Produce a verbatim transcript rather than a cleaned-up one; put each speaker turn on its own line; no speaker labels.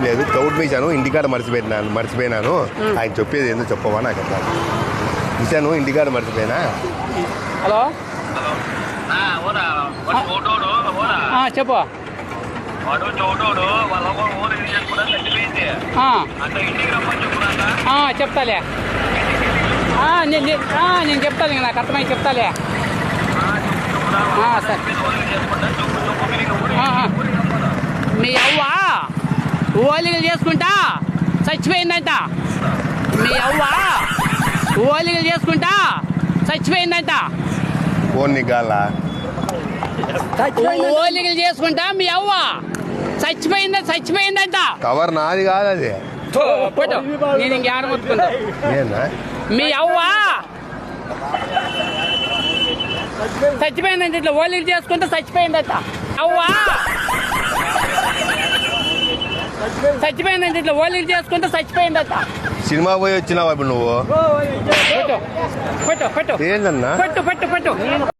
లేదు తౌడు మీసాను ఇంటికాడ మర్చిపోయినాను మర్చిపోయినాను ఆయన చెప్పేది ఏందో చెప్పవా నాకు అట్లా మిసాను ఇంటికాడ మర్చిపోయినా.
హలో చెప్పు. చెప్తాలే నేను చెప్తాను నాకు అర్థమై చెప్తాలే. సరే మీ అవ్వ ఓలిగలు చేసుకుంటా చచ్చిపోయిందంట. మీ అవ్వ ఓలిగలు చేసుకుంటా చచ్చిపోయిందంట. ఓలిగలు చేసుకుంటా మీ అవ్వ చచ్చిపోయిందా చచ్చిపోయిందంట.
కవర్ నాది కాదు అది.
నేను ఇంకేడ మొత్తుకుంటా. మీ అవ్వ చచ్చిపోయిందంట. ఇట్లా ఓలిగలు చేసుకుంటా చచ్చిపోయిందట. అవ్వ చచ్చిపోయిందంటే ఇట్లా ఓలిగలు చేసుకుంటూ చచ్చిపోయిందట.
సినిమా పోయి వచ్చినావా ఇప్పుడు నువ్వు?
పెట్టు పెట్టు పెట్టు
ఏందన్నా
పెట్టు పెట్టు పెట్టు